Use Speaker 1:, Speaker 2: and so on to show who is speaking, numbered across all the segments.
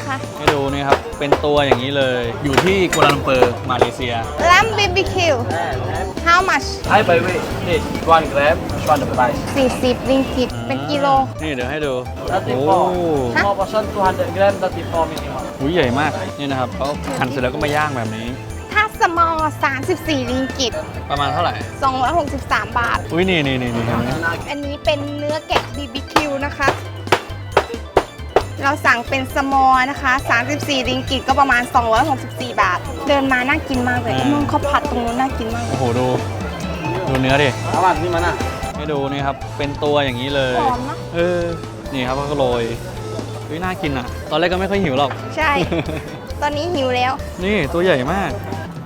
Speaker 1: นะคะ
Speaker 2: ให้ดูนี่ครับเป็นตัวอย่างนี้เลยอยู่ที่กัวลาลัมเปอร์มาเลเซีย
Speaker 1: lamb BBQ how much
Speaker 3: Hi, by the way, this 1 gram, one the price.
Speaker 1: 40 ริงกิตเป็นกิโล
Speaker 2: นี่เดี๋ยวให้ดู
Speaker 3: 34. Small portion 200 gram, 34 minimum.
Speaker 2: หูใหญ่มากนี่นะครับเขาหั่นเสร็จแล้วก็มาย่างแบบนี้
Speaker 1: ถ้า small 34 ริงกิต
Speaker 2: ประมาณเท่าไหร่
Speaker 1: 263 บาท
Speaker 2: อุ้ยนี่เห็นไหม
Speaker 1: อันนี้เป็นเนื้อแกะ BBQ นะคะ เราสั่งเป็นสมอลนะคะ 34 ริงกิตก็ประมาณ 264 บาท เดินมาน่ากินมากเลยนุ่นข้าวผัดตรงนู้นน่ากินมาก
Speaker 2: โอ้โหดูเนื้อดิ
Speaker 3: Aman, di mana?
Speaker 2: ให้ดูนี่ครับเป็นตัวอย่างนี้เลย
Speaker 1: หอมนะ
Speaker 2: นี่ครับเขาก็โรยเฮ้ยน่ากินอ่ะ ตอนแรกก็ไม่ค่อยหิวหรอก
Speaker 1: ใช่ ตอนนี้หิวแล้ว
Speaker 2: นี่ตัวใหญ่มาก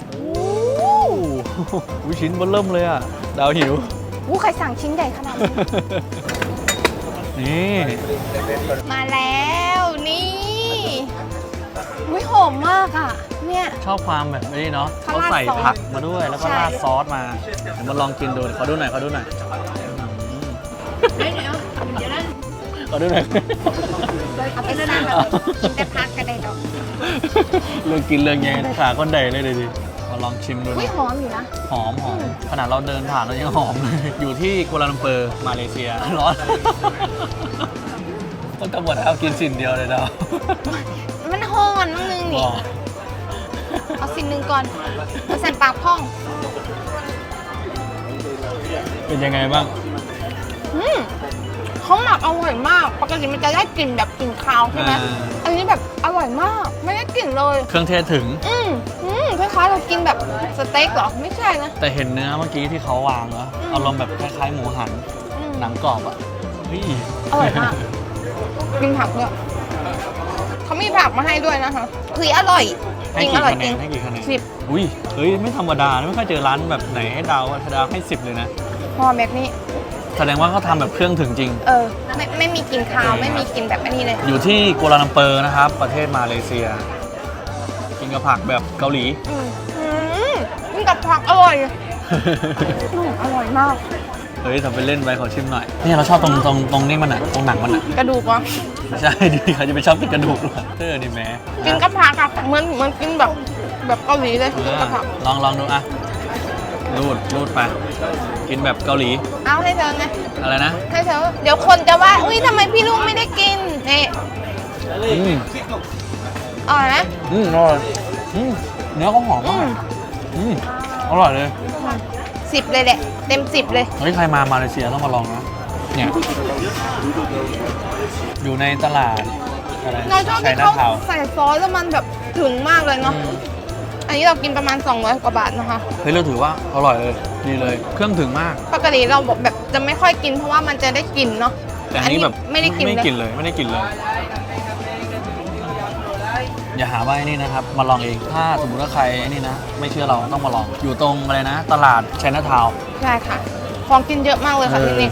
Speaker 2: อุ้ยชิ้นเบนเริ่มเลยอ่ะดาวหิว
Speaker 1: ใครสั่งชิ้นใหญ่ขนาดนี้
Speaker 2: นี่
Speaker 1: มาแล้วนี่อุ้ยหอมมากอ่ะ เนี่ย
Speaker 2: ชอบความแบบนี้เนาะ
Speaker 1: เขา
Speaker 2: เขา
Speaker 1: ราด
Speaker 2: ใส่
Speaker 1: ซอส
Speaker 2: ผักมาด้วยแล้วก็
Speaker 1: ใช่
Speaker 2: ราดซอสมาเดี๋ยวมาลองกินดูขอดูหน่อยขอดูหน่อยขอดูหน่อย
Speaker 1: เอาไปสั่งแบบกินแต่พักกันได้ดอก
Speaker 2: เรื่องกินเรื่องแย่งขาคนใดเลยดิมาลองชิมดู
Speaker 1: อุ้ย
Speaker 2: นะ
Speaker 1: หอมอยู่นะ
Speaker 2: หอมขนาดเราเดินผ่านเรายังหอมเลยอยู่ที่กัวลาลัมเปอร์มาเลเซียร้อนต้องกำหนดเอากินสิ่งเดียวเลยดาว
Speaker 1: มันหอนนิดนึงนี่ เอาสิ่งหนึ่งก่อนเอาใส่ปากพ่อง
Speaker 2: เป็นยังไงบ้าง
Speaker 1: เขาหมักอร่อยมาก ปกติมันจะได้กลิ่นแบบกลิ่นคาวใช่ไหม อันนี้แบบอร่อยมาก ไม่ได้กลิ่นเลย
Speaker 2: เครื่องเทศถึง
Speaker 1: คล้ายๆเรากินแบบสเต็กเหรอ ไม่ใช่นะ
Speaker 2: แต่เห็นเนื้อเมื่อกี้ที่เขาวางเหรออารมณ์แบบคล้ายๆหมูหัน
Speaker 1: อืม
Speaker 2: หนังกรอบอ่ะเฮ้ย
Speaker 1: อร่อยมาก กินผักด้วยเขามีผักมาให้ด้วยนะคะคืออร่อย
Speaker 2: ให้
Speaker 1: จริง
Speaker 2: กี่
Speaker 1: อร่อย
Speaker 2: คะแน
Speaker 1: จริ
Speaker 2: น
Speaker 1: ง
Speaker 2: ให้กี่คะแนน
Speaker 1: สิบ
Speaker 2: อุ้ยเฮ้ยไม่ธรรมดาไม่ค่อยเจอร้านแบบไหนให้ดาวให้ 10 เลยนะ
Speaker 1: พอแบบนี้
Speaker 2: แสดงว่าเขาทำแบบเครื่องถึงจริง
Speaker 1: ไม่มีกลิ่นคาว ไม่มีกลิ่นแบบอันนี้เลย
Speaker 2: อยู่ที่กัวลาลัมเปอร์นะครับ ประเทศมาเลเซีย กินกับผักแบบเกาหลี
Speaker 1: กินกับผักอร่อยอร่อยมาก
Speaker 2: เฮ้ยทำไปเล่นไปขอชิมหน่อย นี่เราชอบตรงนี้มันอ่ะ ตรงหนังมันอ่ะ
Speaker 1: กระดูกวะ
Speaker 2: ใช่ดิเขาจะไปชอบกินกระดูกด้วยดิแม่
Speaker 1: กินกับผักอะเหมือนกินแบบเกาหลีเลยกินกับผัก
Speaker 2: ลองดูอ่ะรูดไป กินแบบเกาหลี
Speaker 1: เอาให้เธอไง
Speaker 2: อะไรนะ
Speaker 1: ให้เธอ เดี๋ยวคนจะว่า อุ้ยทำไมพี่ลุงไม่ได้กินนี่
Speaker 2: อืม
Speaker 1: อร่อยไหม
Speaker 2: อร่อยเนื้อเขาหอมมากอร่อยเลย
Speaker 1: 10 เลยแหละ เต็ม 10 เลย
Speaker 2: เฮ้ยใครมามาเลเซียต้องมาลองนะ เนี่ย อยู่ในตลาดอะไร
Speaker 1: เราชอบ
Speaker 2: ชั
Speaker 1: ที่
Speaker 2: ยนา
Speaker 1: เขา
Speaker 2: ทาวน์
Speaker 1: ใส่ซอสแล้วมันแบบถึงมากเลยเนาะ อันนี้เรากินประมาณ 200 กว่าบาทนะคะ
Speaker 2: เฮ้ยเราถือว่าอร่อยเลยดีเลย เครื่องถึงมาก
Speaker 1: ปกติเราแบบจะไม่ค่อยกินเพราะว่ามันจะได้กลิ่นเนาะ
Speaker 2: แต่อันนี้แบบ
Speaker 1: ไม่ได้กลิ่น
Speaker 2: ไม่
Speaker 1: เลย
Speaker 2: กินเลยไม่ได้กินเลย อย่าหาว่าไอ้นี่นะครับ มาลองเอง ถ้าสมมติว่าใครไอ้นี่นะ ไม่เชื่อเราต้องมาลอง อยู่ตรงอะไรนะ ตลาดชัยนาทาวน์
Speaker 1: ใช่ค่ะ ของกินเยอะมากเลยค่ะที่นี่